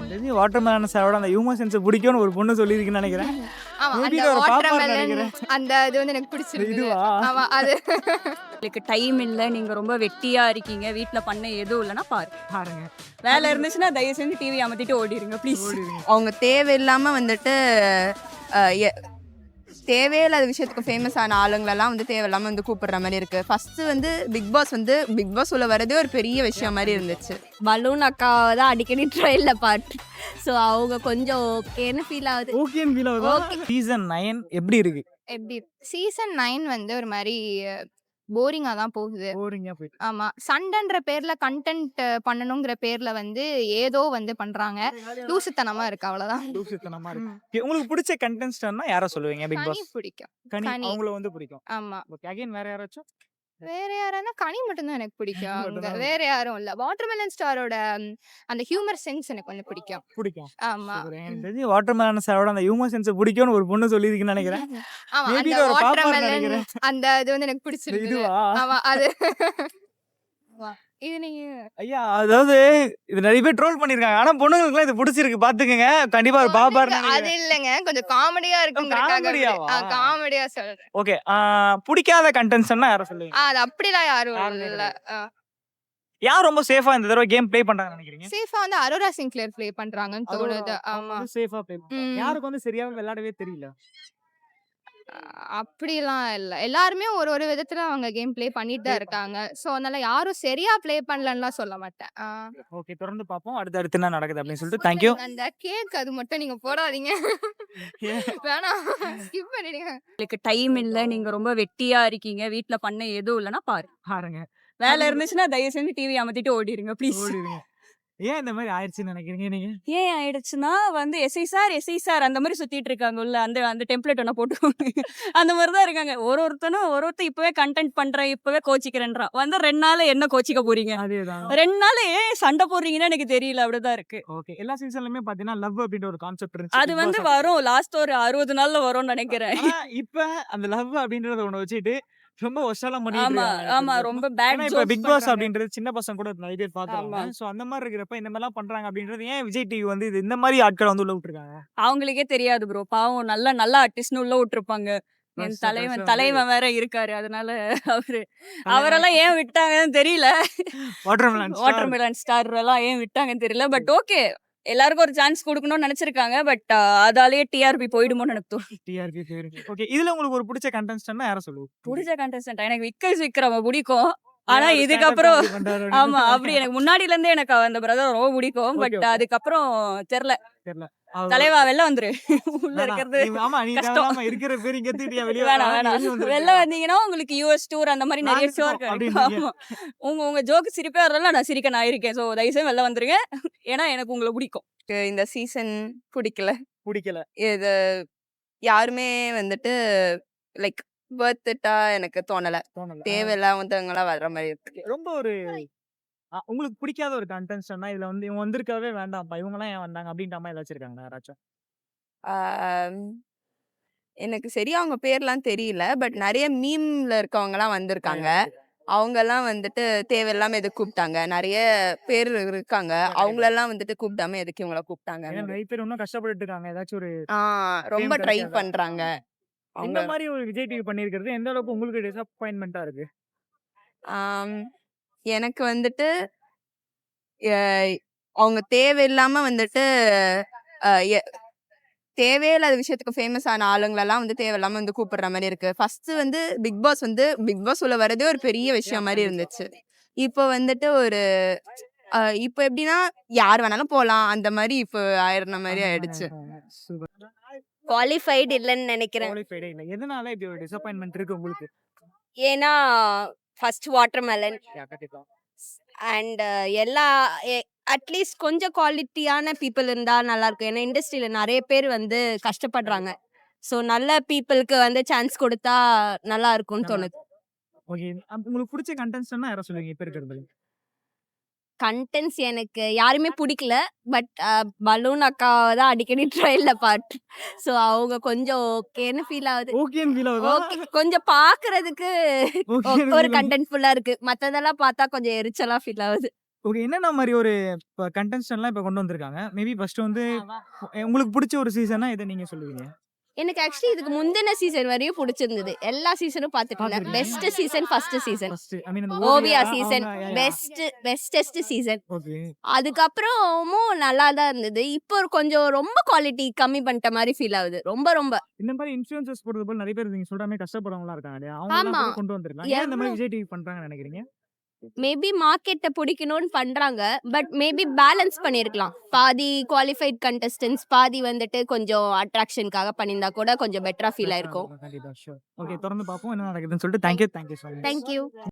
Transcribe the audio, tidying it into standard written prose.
தெரிஞ்சு வாட்டர்மெலன் சாரோட அந்த ஹியூமன் சென்ஸ் பிடிக்கும்னு ஒரு பொண்ணு சொல்லியிருக்குன்னு நினைக்கிறேன். ஆமா Maybe அந்த இது ஒரு பாப்பான்னு வாட்டர்மெலன் நினைக்கிறேன். அந்த இது வந்து எனக்கு பிடிச்சிருக்கு. இதுவா? ஆமா அது உங்களுக்கு டைம் இல்ல, நீங்க ரொம்ப வெட்டியா இருக்கீங்க, வீட்ல பண்ண எதுவும் இல்லைன்னா பாருங்க. பாருங்க. வேலை இருந்துச்சுன்னா தயவு செஞ்சு டிவி அமத்திட்டு ஓடிடுங்க ப்ளீஸ். ஓடிடுங்க. அவங்க தேவையில்லாம வந்துட்டு அஹ், எ- தேவையில்லாத விஷயத்துக்கு ஃபேமஸ் ஆன ஆளுங்களெல்லாம் வந்து தேவையில்லாம வந்து கூப்பிடுற மாதிரி இருக்கு. ஃபர்ஸ்ட் வந்து பிக் பாஸ் உள்ள வரதே ஒரு பெரிய விஷயம் மாதிரி இருந்துச்சு. பலூன் அக்காவை தான் அடிக்கடி ட்ரெயினில் பாட்டு. ஸோ அவங்க கொஞ்சம் ஓகேன்னு ஃபீல் ஆகுது. ஓகேன்னு ஃபீல் ஆகுதா? சீசன் 9 எப்படி இருக்கு? எப்படி சீசன் 9 வந்து ஒரு மாதிரி போரிங்கா தான் போகுது. போரிங்கா போயிட்டு. ஆமா சண்டைன்ற பேர்ல கண்டென்ட் பண்ணணுங்கிற பேர்ல வந்து ஏதோ வந்து பண்றாங்க. லூசுத்தனமா இருக்கு அவ்வளவுதான். லூசுத்தனமா இருக்கு. Okay, உங்களுக்கு பிடிச்ச கண்டெஸ்டன்ட்னா யாரை சொல்லுவீங்க பிக் கனி பாஸ்? பிடிக்கும். கனி கனி. அவங்கள வந்து பிடிக்கும். ஆமா ஓகே அகைன் வேற யாராச்சும்? வேற யாரானா கனி மட்டும்தான் எனக்கு பிடிக்கும். அங்க மட்டும்தான். வேற யாரும் இல்ல. வாட்டர்மெலன் ஸ்டாரோட அந்த ஹியூமர் சென்ஸ் எனக்கு கொஞ்சம் பிடிக்கும். பிடிக்கும். ஆமா சூப்பர். எனக்கு தெரிஞ்சு வாட்டர்மெலன் சாரோட அந்த ஹியூமன் சென்ஸ் பிடிக்கும்னு ஒரு பொண்ணு சொல்லியிருக்குன்னு நினைக்கிறேன். ஆமா Maybe அந்த இது ஒரு பாப்பான்னு வாட்டர்மெலன் நினைக்கிறேன். அந்த இது வந்து எனக்கு பிடிச்சிருக்கு. இதுவா? ஆமா அது இது நீங்க ஐயா அதாவது இது நிறைய பேர் ட்ரோல் பண்ணிருக்காங்க. ஆனா பொண்ணுங்களுக்குலாம் இது பிடிச்சிருக்கு பாத்துக்கங்க. கண்டிப்பா ஒரு பாப்பான்னு அது நினைக்கிறேன். இல்லங்க கொஞ்சம் காமெடியா இருக்குங்கிறதுக்காக காமெடியாவா? காமெடியா சொல்றேன். ஓகே பிடிக்காத கண்டென்ட்னா யாரை சொல்லுவீங்க? அது அப்படிலாம் யாரும் யாருமே இல்ல. யார் ரொம்ப சேஃபா இந்த தடவை கேம் ப்ளே பண்றாங்கன்னு நினைக்கிறீங்க? சேஃபா வந்து அரோரா சிங்க்லேர் ப்ளே பண்றாங்கன்னு தோணுது. ஆமா சேஃபா ப்ளே பண்றாங்க. ம். யாருக்கு வந்து சரியாவே விளையாடவே தெரியல. அப்படிலாம் இல்ல. எல்லாருமே ஒரு ஒரு விதத்துல அவங்க கேம் ப்ளே பண்ணிட்டு தான் இருக்காங்க. சோ அதனால யாரும் சரியா ப்ளே பண்ணலன்னுலாம் சொல்ல மாட்டேன். ஓகே தொடர்ந்து பாப்போம். அடுத்து என்ன நடக்குது அப்படின்னு சொல்லிட்டு தேங்க் யூ. அந்த கேக் அது மட்டும் நீங்க போடாதீங்க. வேணாம் ஸ்கிப் பண்ணிடுங்க. உங்களுக்கு டைம் இல்ல, நீங்க ரொம்ப வெட்டியா இருக்கீங்க, வீட்ல பண்ண எதுவும் இல்லைன்னா பாருங்க. பாருங்க. வேலை இருந்துச்சுன்னா தயவு செஞ்சு டிவி அமத்திட்டு ஓடிடுங்க ப்ளீஸ். ஓடிடுங்க. ஏன் இந்த மாதிரி ஆயிடுச்சுன்னு நினைக்கிறீங்க நீங்க? ஏன் ஆயிடுச்சுன்னா வந்து எஸ்ஐ சார் அந்த மாதிரி சுத்திட்டு இருக்காங்க உள்ள. அந்த அந்த டெம்ப்ளேட் ஒன்று போட்டு அந்த மாதிரி தான் இருக்காங்க. ஒருத்தன் இப்பவே கண்டென்ட் பண்றேன், இப்பவே கோச்சிக்கிறேன்றான். வந்து 2 நாள் என்ன கோச்சிக்க போறீங்க? அதேதான். 2 நாள் ஏன் சண்டை போடுறீங்கன்னு எனக்கு தெரியல. அப்படிதான் இருக்கு. ஓகே எல்லா சீசன்லயுமே பாத்தீங்கன்னா லவ் அப்படின்ற ஒரு கான்செப்ட் இருந்துச்சு. அது Big வந்து Boss வரும் லாஸ்ட் ஒரு 60 நாள்ல வரும்னு நினைக்கிறேன். ஆனா இப்ப அந்த லவ் அப்படின்றத ஒண்ணு வச்சுட்டு ரொம்ப ஒஷாலாம் பண்ணிட்டு ஆமா இருக்காங்க. ஆமா ரொம்ப பேட் ஏன்னா இப்ப பிக் பாஸ் அப்படின்றது சின்ன பசங்க கூட நிறைய பேர் பாக்குறாங்க. சோ அந்த மாதிரி இருக்கிறப்ப இந்த மாதிரிலாம் பண்றாங்க அப்படின்றது ஏன் விஜய் டிவி வந்து இது இந்த மாதிரி ஆட்களை வந்து உள்ள விட்டுருக்காங்க? அவங்களுக்கே தெரியாது ப்ரோ. பாவம் நல்ல ஆர்டிஸ்ட்னு உள்ள விட்டுருப்பாங்க. என் தலைவன் வேற இருக்காரு. அதனால அவரெல்லாம் ஏன் விட்டாங்கன்னு தெரியல. வாட்டர்மெலன் ஸ்டார் எல்லாம் ஏன் விட்டாங்கன்னு தெரியல. பட் ஓகே எல்லாருக்கும் ஒரு சான்ஸ் கொடுக்கணும்னு நினைச்சிருக்காங்க. பட் அதாலேயே டிஆர்பி போயிடுமோன்னு எனக்கு தோணும். டிஆர்பி ஓகே இதுல உங்களுக்கு ஒரு பிடிச்ச கண்டெஸ்டன்ட்னா யாரை சொல்லுவோம்? பிடிச்ச கண்டஸ்டன்ட் எனக்கு விக்ரம் பிடிக்கும். ஆனா இதுக்கப்புறம் ஆமா அப்படி எனக்கு முன்னாடில இருந்தே எனக்கு அந்த பிரதர் ரொம்ப பிடிக்கும். பட் அதுக்கப்புறம் தெரியல. தலைவா வெளில வந்துரு. உள்ள இருக்கிறது ஆமா நீ கஷ்டம். தேவையில்லாம இருக்கிற பேர் இங்க எத்திட்டியா வெளிய வேணாம் வெளில வந்தீங்கன்னா உங்களுக்கு யூஎஸ் டூர் அந்த மாதிரி நிறைய ஷோ இருக்கு. அப்படின்றீங்க. ஆமா. உங்க ஜோக்கு சிரிப்பே வரல, நான் சிரிக்க நான் இருக்கேன். ஸோ தயவுசெய்து வெளில வந்துருங்க. ஏன்னா எனக்கு உங்களை பிடிக்கும். இந்த சீசன் பிடிக்கல. பிடிக்கல. இது யாருமே வந்துட்டு லைக் பர்த்டா எனக்கு தோணல. தோணல. தேவையில்லாதவங்களா வர்ற மாதிரி இருக்கு. ரொம்ப ஒரு உங்களுக்கு பிடிக்காத ஒரு கண்டெஸ்டன்ட்னா இதுல வந்து இவங்க வந்திருக்கவே வேண்டாம்ப்பா இவங்க எல்லாம் ஏன் வந்தாங்க அப்படின்ற மாதிரி ஏதாச்சும் இருக்காங்க யாராச்சும்? ஆம், எனக்கு சரியா அவங்க பேர்லாம் தெரியல. பட் நிறைய மீம்ல இருக்கவங்கலாம் வந்திருக்காங்க. அவங்கெல்லாம் வந்துட்டு தேவையில்லாம எதுக்கு கூப்பிட்டாங்க? நிறைய பேர் இருக்காங்க. அவங்களெல்லாம் வந்துட்டு கூப்பிடாம எதுக்கு இவங்கள கூப்பிட்டாங்க? ஏன்னா நிறைய பேர் இன்னும் கஷ்டப்பட்டுட்டு இருக்காங்க. ஏதாச்சும் ஒரு ரொம்ப fame ட்ரை கிடைக்காதா? பண்றாங்க. இந்த அவங்க மாதிரி ஒரு விஜய் டிவி பண்ணிருக்கிறது எந்த அளவுக்கு உங்களுக்கு டிசப்பாயின்மெண்டா இருக்கு? ஆம், எனக்கு வந்துட்டு அஹ், அவங்க தேவையில்லாம வந்துட்டு அஹ், எ- தேவையில்லாத விஷயத்துக்கு ஃபேமஸ் ஆன ஆளுங்களெல்லாம் வந்து தேவையில்லாம வந்து கூப்பிடுற மாதிரி இருக்கு. ஃபர்ஸ்ட் வந்து பிக் பாஸ் உள்ள வரதே ஒரு பெரிய விஷயம் மாதிரி இருந்துச்சு. இப்போ வந்துட்டு ஒரு இப்போ எப்படின்னா யார் வேணாலும் போலாம் அந்த மாதிரி இப்போ ஆயிடுற மாதிரி ஆயிடுச்சு. சூப்பர். குவாலிஃபைடு இல்லைன்னு நினைக்கிறேன். குவாலிஃபைடே இல்ல. எதனால இப்படி ஒரு டிசப்பாயின்மெண்ட் இருக்கு உங்களுக்கு? ஏன்னா ஃபர்ஸ்ட் வாட்டர்மெலன் கண்டிப்பா. அண்ட் எல்லா அட்லீஸ்ட் கொஞ்சம் குவாலிட்டியான பீப்புள் இருந்தால் நல்லா இருக்கும். ஏன்னா இண்டஸ்ட்ரியில நிறைய பேர் வந்து கஷ்டப்படுறாங்க. ஸோ நல்ல பீப்புளுக்கு வந்து சான்ஸ் கொடுத்தா நல்லா இருக்கும்னு தோணுது. ஓகே உங்களுக்கு பிடிச்ச கண்டெஸ்டன்ட்னா யாரை சொல்லுவீங்க இப்ப இருக்கிறது? கண்டென்ட்ஸ் எனக்கு யாருமே பிடிக்கல. பட் பலூன் அக்காவை தான் அடிக்கடி ட்ரெயினில் பாட்டு. ஸோ அவங்க கொஞ்சம் ஓகேன்னு ஃபீல் ஆகுது. ஓகேன்னு ஃபீல் ஆகுதா? ஓகே கொஞ்சம் பார்க்கறதுக்கு ஓகேன்னு ஒரு feel ஆகுது. கண்டென்ட் ஃபுல்லா இருக்கு. மற்றதெல்லாம் பார்த்தா கொஞ்சம் எரிச்சலா ஃபீல் ஆகுது. ஓகே. என்னென்ன மாரி ஒரு இப்ப கண்டெஸ்டன்ட்லாம் இப்ப கொண்டு வந்திருக்காங்க. மேபி ஃபர்ஸ்ட் வந்து உங்களுக்கு புடிச்ச ஒரு சீசன்னா எத நீங்க சொல்லுவீங்க? எனக்கு ஆக்சுவலி இதுக்கு முந்தின சீசன் வரையும் பிடிச்சிருந்தது. எல்லா சீசனும் பார்த்துட்டு இருந்தேன். பார்த்திருக்கீங்க. Best season first season. First I mean அந்த ஓவியா சீசன் அவங்க பெஸ்டஸ்ட் சீசன். ஓகே. அதுக்கப்புறமும் நல்லா தான் இருந்தது. இப்போ கொஞ்சம் ரொம்ப குவாலிட்டி கம்மி பண்ணிட்ட மாதிரி ஃபீல் ஆகுது. ரொம்ப இந்த மாரி இன்ஃப்ளூயன்சர்ஸ் போறது போல நெறைய பேர் நீங்க சொல்ற மாரி கஷ்டப்படுறவங்களா இருக்காங்க இல்லையா? அவங்களலாம் ஆமா. கூட கொண்டு வந்திருக்கலாம். ஏன் இந்த மாரி எவ்ளோ விஜய் டிவி பண்றாங்கன்னு நெனைக்கிறீங்க? மேபி மார்க்கெட்ட பிடிக்கணும்னு பண்றாங்க. பட் மேபி பேலன்ஸ் பண்ணியிருக்கலாம். பாதி குவாலிஃபைட் கண்டெஸ்டன்ட்ஸ், பாதி வந்துட்டு கொஞ்சம் அட்ராக்ஷனுக்காக பண்ணியிருந்தா கூட கொஞ்சம் பெட்டரா ஃபீல் ஆயிருக்கும். கண்டிப்பா. ஷூர். ஓகே. தொடர்ந்து பார்ப்போம் என்ன நடக்குதுன்னு சொல்லிட்டு thank you. Thank you so much. Thank you.